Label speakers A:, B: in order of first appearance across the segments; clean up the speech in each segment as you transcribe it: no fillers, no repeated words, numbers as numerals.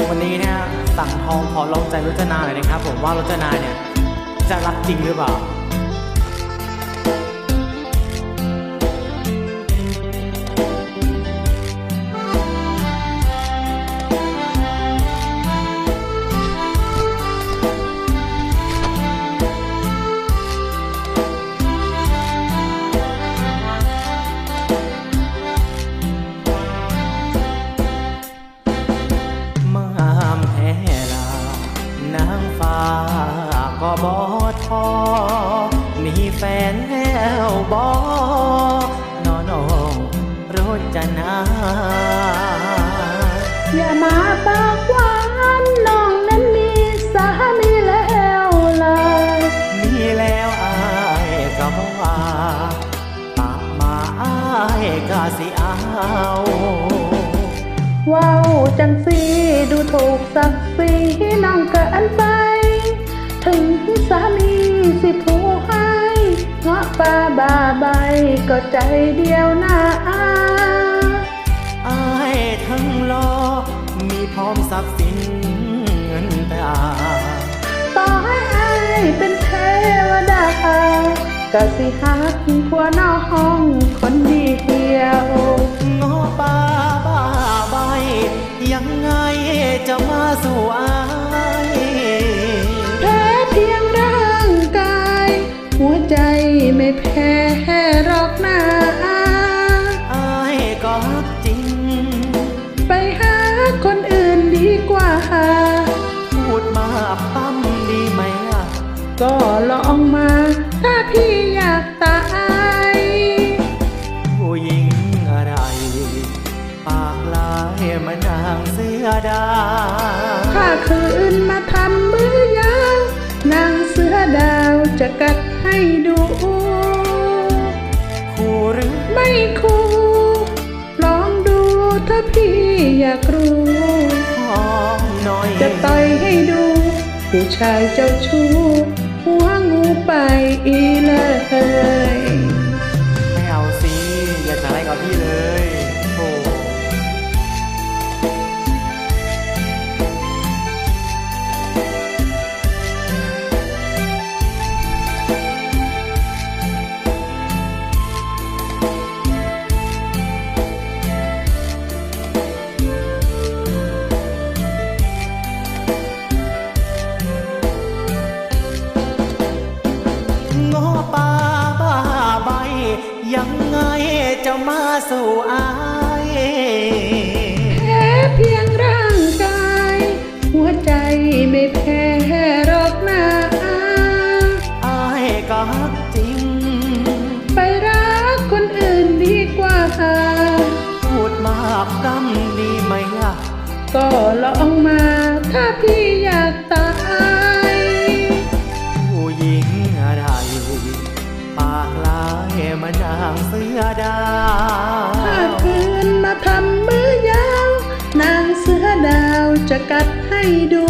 A: วันนี้เนี่ยสั่งทองขอลองใจรจนาหน่อยนะครับผมว่ารจนาเนี่ยจะรักจริงหรือเปล่าก็บอทอมีแฟนแล้วบอนอนองรจนา
B: อย่ามาปากหวานน้องนั้นมีสามีแล้วเลย
A: มีแล้วอายก็บอกว่าปากมาอายก็สิเอา
B: ว้าวจังสีดูถูกศักดิ์ศรีน้องเกินไปถึงสามีสิผู้ให้เงาะป่าบาใบก็ใจเดียวนะ
A: อายทั้งรอมีพร้อมทรัพย์สินเงินตรา
B: ต่อให้อายเป็นเทวดาก็สิหักผัวน้องคนเดียว
A: เงาะป่าบาใบยังไงจะมาสู่อาย
B: เพียงร่างกายหัวใจไม่แพ้หรอกนะ
A: อายก็รักจริง
B: ไปหาคนอื่นดีกว่า
A: พูดมาปั้มดีไหมล่ะ
B: ก็ลองมาถ้าพี่อยากตาย
A: ผู้หญิงอะไรปากลายเหมือนนางเสือดา
B: ถ้าคืนมาทำมือยาวนางเสือดาวจะกัดให้ดู
A: คู่หรือ
B: ไม่คู่ลองดูถ้าพี่อยากรู้จะต่อยให้ดูผู้ชายเจ้าชู้หัวงูไปอีเลย
A: ไม่เอาสิอย่าจะอะไรกับพี่เลยโอ้ยังไงจะมาสู่อาย
B: แค่เพียงร่างกายหัวใจไม่แพ้หรอกนะ
A: อายก็รักจริง
B: ไปรักคนอื่นดีกว่า
A: พูดมากกำดีไหมล่ะ
B: ก็ลองมาถ้าพี่อยากตาย
A: ผู้หญิงอะไรปากลายมานางเสือดาว
B: ถ้าคืนมาทำมือยาวนางเสือดาวจะกัดให้ดู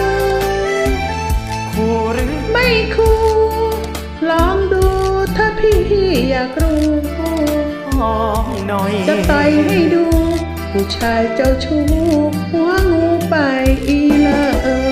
A: คู่หรือ
B: ไม่คู่ลองดูถ้าพี่อยากรู้
A: หน่อย
B: จะต่อยให้ดูผู้ชายเจ้าชู้หัวงูไปอีเลย